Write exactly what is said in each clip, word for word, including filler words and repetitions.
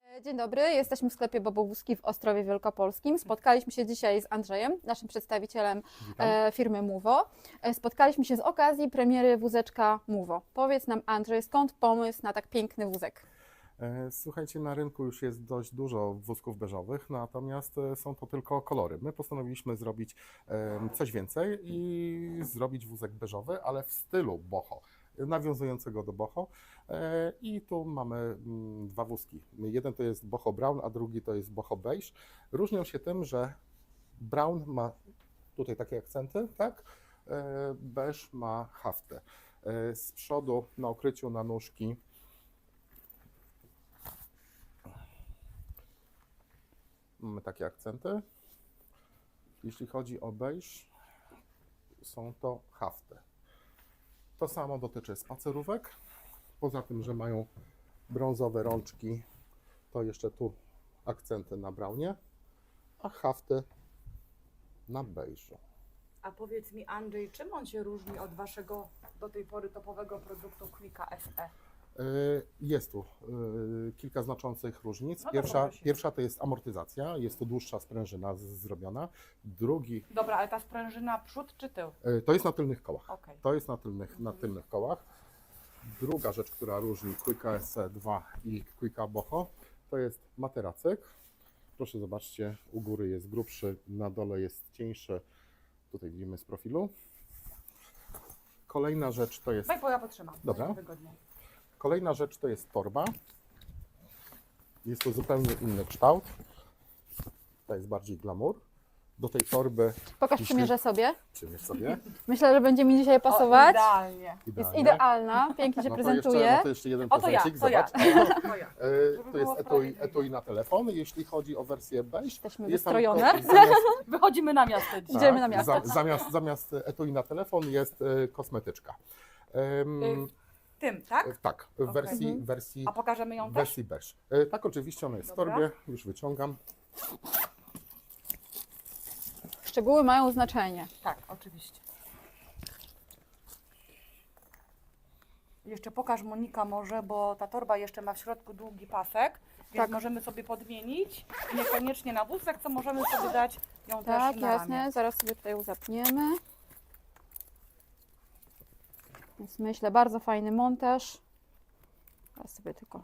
Dzień dobry, jesteśmy w sklepie Bobowózki w Ostrowie Wielkopolskim. Spotkaliśmy się dzisiaj z Andrzejem, naszym przedstawicielem e, firmy Muvo. E, spotkaliśmy się z okazji premiery wózeczka Muvo. Powiedz nam, Andrzej, skąd pomysł na tak piękny wózek? Słuchajcie, na rynku już jest dość dużo wózków beżowych, natomiast są to tylko kolory. My postanowiliśmy zrobić coś więcej i zrobić wózek beżowy, ale w stylu boho, nawiązującego do boho. I tu mamy dwa wózki. Jeden to jest boho brown, a drugi to jest boho beige. Różnią się tym, że brown ma tutaj takie akcenty, tak? Beige ma haftę. Z przodu na okryciu na nóżki mamy takie akcenty. Jeśli chodzi o beige, są to hafty. To samo dotyczy spacerówek. Poza tym, że mają brązowe rączki, to jeszcze tu akcenty na brownie, a hafty na beżu. A powiedz mi, Andrzej, czym on się różni od waszego do tej pory topowego produktu Quicka S E? Jest tu kilka znaczących różnic. No Pierwsza, dobra, pierwsza to jest amortyzacja, jest to dłuższa sprężyna z- zrobiona. Drugi Dobra, ale ta sprężyna przód czy tył? to jest na tylnych kołach. Okej. To jest na tylnych, na tylnych kołach. Druga rzecz, która różni Quicka S E dwa i Quicka Boho, to jest materacyk. Proszę zobaczcie, u góry jest grubszy, na dole jest cieńszy. Tutaj widzimy z profilu. Kolejna rzecz to jest Daj, bo ja potrzymam. Dobra. Będzie wygodnie. Kolejna rzecz to jest torba. Jest to zupełnie inny kształt. To jest bardziej glamour. Do tej torby Pokaż, Jeśli- przymierzę sobie. przymierz sobie. Myślę, że będzie mi dzisiaj O, pasować. idealnie. Jest Idealnie. idealna, pięknie się No to prezentuje. jeszcze, no to jeszcze jeden O, to ja, prezencik, to ja. zobacz. To ja. E, Żeby To jest było etui, sprawiedliwie. etui na telefon. Jeśli chodzi o wersję beige, Jesteśmy jest tam wystrojone. ko- zamiast, Wychodzimy na miasto dzisiaj. Idziemy na miasto. za- zamiast, zamiast etui na telefon jest e, kosmetyczka. Em, Y, Tym, tak? e, tak, w Okej. wersji, Mhm. wersji, A pokażemy ją w też? wersji beige. E, Tak, oczywiście ona jest w Dobra. torbie, już wyciągam. Szczegóły mają znaczenie. Tak, oczywiście. Jeszcze pokaż, Monika, może, bo ta torba jeszcze ma w środku długi pasek, więc Tak. możemy sobie podmienić. I niekoniecznie na wózek, co możemy sobie dać ją Tak, też na jasne. ramię. Zaraz sobie tutaj ją zapniemy. Więc myślę, bardzo fajny montaż. Teraz sobie tylko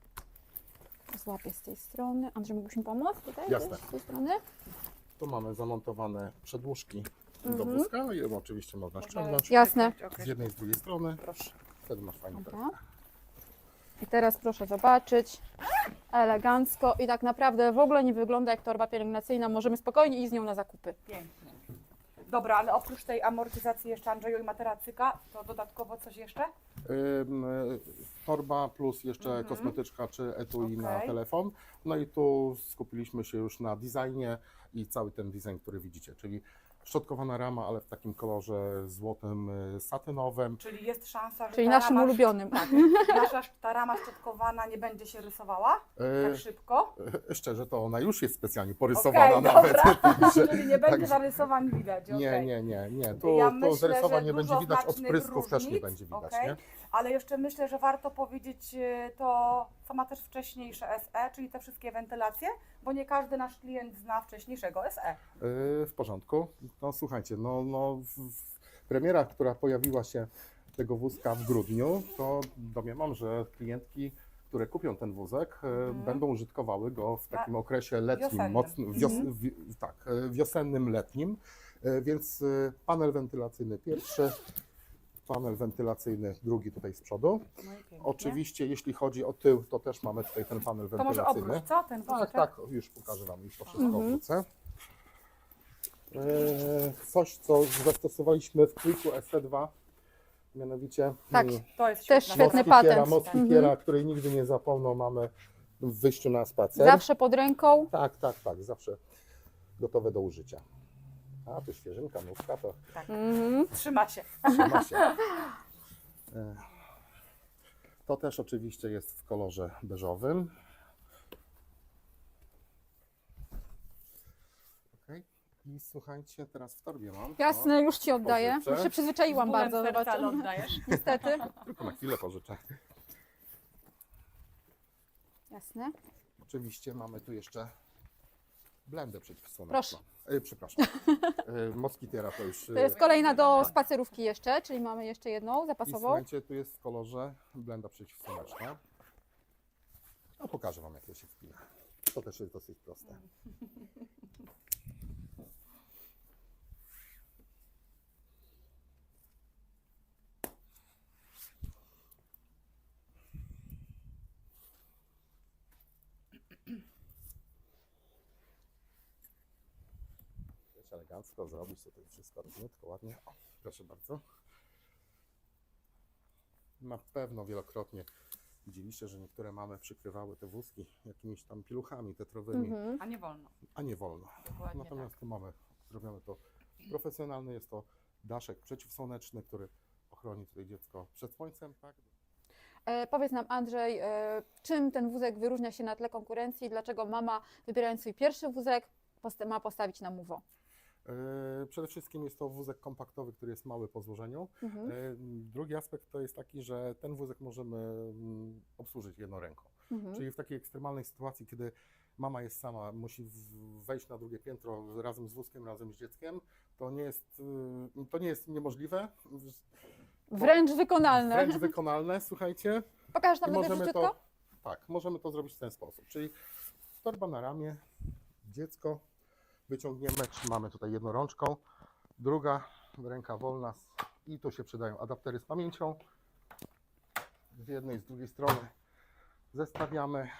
złapię z tej strony. Andrzej, mógłbyś mi pomóc tutaj? Jasne. też Z tej strony? Tu mamy zamontowane przedłużki do Mhm. wózka i oczywiście można ściągnąć Jasne. Okej. z jednej i z drugiej strony. Proszę. Wtedy masz fajny Dobra. torbę. I teraz proszę zobaczyć. Elegancko i tak naprawdę w ogóle nie wygląda jak torba pielęgnacyjna. Możemy spokojnie iść z nią na zakupy. Pięknie. Dobra, ale oprócz tej amortyzacji jeszcze, Andrzeju, i materacyka, to dodatkowo coś jeszcze? Ym, y, Torba plus jeszcze Mhm. kosmetyczka czy etui na Okej. telefon. No i tu skupiliśmy się już na designie i cały ten design, który widzicie, czyli szczotkowana rama, ale w takim kolorze złotym, y, satynowym. Czyli jest szansa, że Czyli ta naszym rama, ulubionym. Tak, nasza ta rama szczotkowana nie będzie się rysowała tak Y, szybko. Szczerze, to ona już jest specjalnie porysowana Okej, nawet. dobra. Także- Czyli nie będzie także- zarysowań widać. Nie, okej. nie, nie, nie. Tu, Ja tu myślę, zarysowań że nie będzie dużo widać, znacznych odprysków też nie różnic, będzie widać, okej. nie? Ale jeszcze myślę, że warto powiedzieć e, to, co ma też wcześniejsze S E, czyli te wszystkie wentylacje, bo nie każdy nasz klient zna wcześniejszego S E. Yy, w porządku. No słuchajcie, no, no w, w premiera, która pojawiła się tego wózka w grudniu, to domniemam, że klientki, które kupią ten wózek, yy, Mhm. będą użytkowały go w takim A, okresie letnim, wiosennym. mocno, wios, Mhm. wi, tak, yy, wiosennym, letnim. Yy, więc yy, panel wentylacyjny pierwszy, panel wentylacyjny drugi tutaj z przodu. No i pięknie. Oczywiście, jeśli chodzi o tył, to też mamy tutaj ten panel To może wentylacyjny. obróć, co? Ten Tak, wózeczek? tak, już pokażę Wam, już to wszystko Mhm. obrócę. Eee, Coś, co zastosowaliśmy w Quicku S E dwa, mianowicie Tak. mm, To jest Też świetna świetny sprawa. moskipiera, patent. moskipiera, Mhm. której nigdy nie zapomną, mamy w wyjściu na spacer. Zawsze pod ręką. Tak, tak, tak, zawsze gotowe do użycia. A, tu świeżynka, nówka, to Mhm. Trzyma się. trzyma się. Eee, To też oczywiście jest w kolorze beżowym. Okej. I słuchajcie, teraz w torbie mam. Jasne, już Ci oddaję. Pożyczę. Już się przyzwyczaiłam Z bólem bardzo, serca, zobaczę. ale oddajesz. Niestety. O, tylko na chwilę pożyczę. Jasne. oczywiście mamy tu jeszcze blendę przeciwsłoneczną. Proszę. E, przepraszam. E, Moskitiera to już... To jest kolejna do spacerówki jeszcze, czyli mamy jeszcze jedną I zapasową. słuchajcie, tu jest w kolorze blenda przeciwsłoneczna. No pokażę Wam, jak to się wpina. To też jest dosyć proste. Wiesz, elegancko zrobić tutaj wszystko równiutko, ładnie. O, proszę bardzo. Na pewno wielokrotnie widzieliście, że niektóre mamy przykrywały te wózki jakimiś tam piluchami tetrowymi, Mhm. A nie wolno. a nie wolno. Dokładnie Natomiast tak. tu mamy zrobione to profesjonalnie. Jest to daszek przeciwsłoneczny, który ochroni tutaj dziecko przed słońcem. Tak? E, powiedz nam, Andrzej, e, czym ten wózek wyróżnia się na tle konkurencji? Dlaczego mama, wybierając swój pierwszy wózek, posta- ma postawić na Movo? Yy, Przede wszystkim jest to wózek kompaktowy, który jest mały po złożeniu. Mhm. Yy, Drugi aspekt to jest taki, że ten wózek możemy mm, obsłużyć jedną ręką. Mhm. Czyli w takiej ekstremalnej sytuacji, kiedy mama jest sama, musi w- wejść na drugie piętro razem z wózkiem, razem z dzieckiem, to nie jest, yy, to nie jest niemożliwe, Wręcz wykonalne. wręcz wykonalne, słuchajcie. Pokażesz I nam najpierw możemy szybciutko? to, tak, możemy to zrobić w ten sposób. Czyli torba na ramię, dziecko wyciągniemy, trzymamy tutaj jedną rączką, druga ręka wolna i tu się przydają adaptery z pamięcią. Z jednej, z drugiej strony zestawiamy.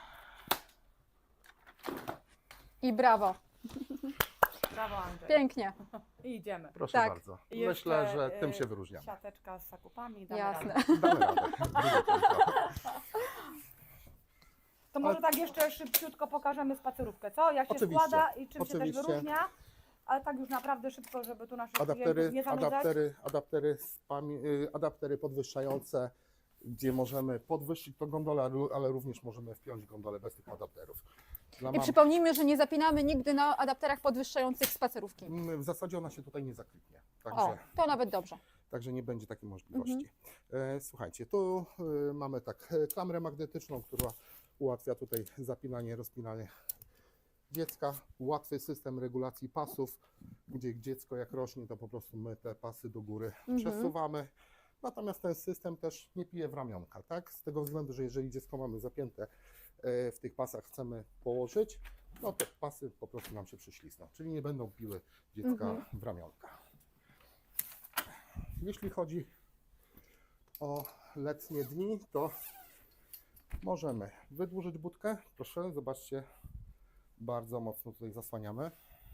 I brawo. Brawo, Andrzej. Pięknie. I idziemy. Proszę Tak. bardzo. I Myślę, jeszcze, że tym y, się wyróżniamy. Siateczka z zakupami. Damy Jasne. radę. Damy radę. Drugie piętro. To może Ale- tak jeszcze szybciutko pokażemy spacerówkę, co? Jak się Oczywiście, składa i czym się oczywiście. też wyróżnia. Ale tak już naprawdę szybko, żeby tu naszych Adaptery, klientów nie zanudzać. adaptery, adaptery, z pamię- y, adaptery podwyższające, gdzie możemy podwyższyć tą gondolę, ale- ale również możemy wpiąć gondolę bez tych adapterów. Dla I mam- przypomnijmy, że nie zapinamy nigdy na adapterach podwyższających spacerówki. Mm, W zasadzie ona się tutaj nie zakliknie, O, także, to nawet dobrze. także nie będzie takiej możliwości. Mhm. E, słuchajcie, tu e, mamy tak e, klamrę magnetyczną, która ułatwia tutaj zapinanie, rozpinanie dziecka. Łatwy system regulacji pasów, gdzie dziecko jak rośnie, to po prostu my te pasy do góry Mhm. przesuwamy. Natomiast ten system też nie pije w ramionka, tak? Z tego względu, że jeżeli dziecko mamy zapięte e, w tych pasach, chcemy położyć, no to pasy po prostu nam się przyślizną, czyli nie będą piły dziecka Mhm. w ramionka. Jeśli chodzi o letnie dni, to możemy wydłużyć budkę. Proszę, zobaczcie, bardzo mocno tutaj zasłaniamy.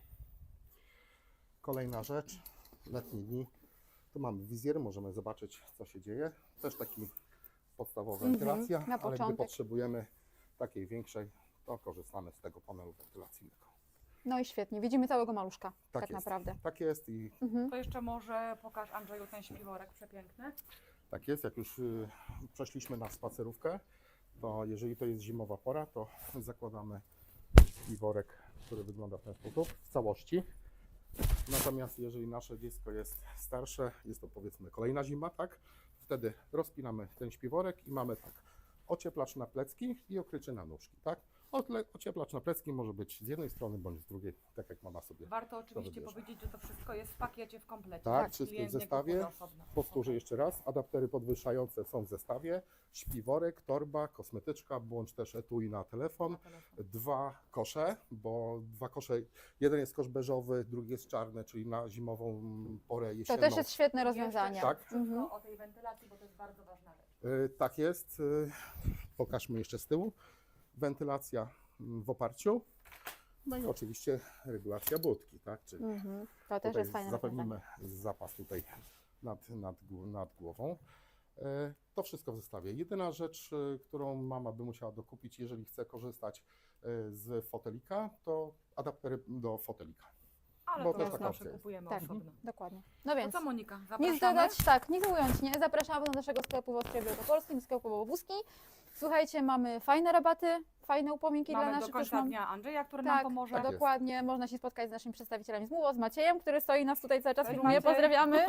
Kolejna rzecz, letnie dni. Tu mamy wizjer, możemy zobaczyć, co się dzieje. Też taki podstawowa Mhm, wentylacja, na ale gdy początek. potrzebujemy takiej większej, to korzystamy z tego panelu wentylacyjnego. No i świetnie. Widzimy całego maluszka, tak, jest. naprawdę. Tak jest i Mhm. To jeszcze może pokaż, Andrzeju, ten śpiworek przepiękny. tak jest. Jak już y, przeszliśmy na spacerówkę, to jeżeli to jest zimowa pora, to zakładamy śpiworek, który wygląda w ten sposób w całości. Natomiast jeżeli nasze dziecko jest starsze, jest to powiedzmy kolejna zima, tak? Wtedy rozpinamy ten śpiworek i mamy tak, ocieplacz na plecki i okrycie na nóżki, tak? Otle- Ocieplacz na plecki może być z jednej strony bądź z drugiej, tak jak mama sobie. Warto oczywiście wybierze. powiedzieć, że to wszystko jest w pakiecie, w komplecie. Tak, wszystko w Klient nie zestawie. kupuje osobno. Powtórzę jeszcze raz, adaptery podwyższające są w zestawie, śpiworek, torba, kosmetyczka, bądź też etui na telefon, Na telefon. dwa kosze, bo dwa kosze, jeden jest kosz beżowy, drugi jest czarny, czyli na zimową porę To jesienną. też jest świetne rozwiązanie. Jeszcze Tak. szybciutko Mhm. o tej wentylacji, bo to jest bardzo ważna rzecz. Y, Tak jest. Y, Pokażmy jeszcze z tyłu. Wentylacja mm, w oparciu. No i oczywiście regulacja budki, tak? Czyli Mhm. To też tutaj jest fajne rozwiązanie. zapewnimy zapas tutaj nad, nad, gł- nad głową. E, To wszystko w zestawie. Jedyna rzecz, e, którą mama by musiała dokupić, jeżeli chce korzystać e, z fotelika, to adaptery do fotelika. Ale Bo to też już taka zawsze opcja jest. kupujemy Tak. osobno. Dokładnie. No To więc co, Monika, zapraszamy? nic dodać, tak, nic ująć, nie. Zapraszamy do naszego sklepu w Ostrowie Wielkopolskim, sklepu Bobowuski. Słuchajcie, mamy fajne rabaty, fajne upominki dla Mamy do naszych końca mam- dnia Andrzeja, który Tak, nam pomoże. Tak jest. dokładnie. Można się spotkać z naszymi przedstawicielami z Muło, z Maciejem, który stoi nas tutaj cały czas Cześć, filmuje. Maciej. Pozdrawiamy.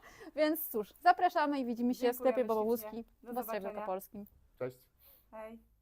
Więc cóż, zapraszamy i widzimy się w Dziękujemy sklepie Bobowuski ślicznie. Do w Ostrowie zobaczenia. Wielkopolskim. Cześć. Hej.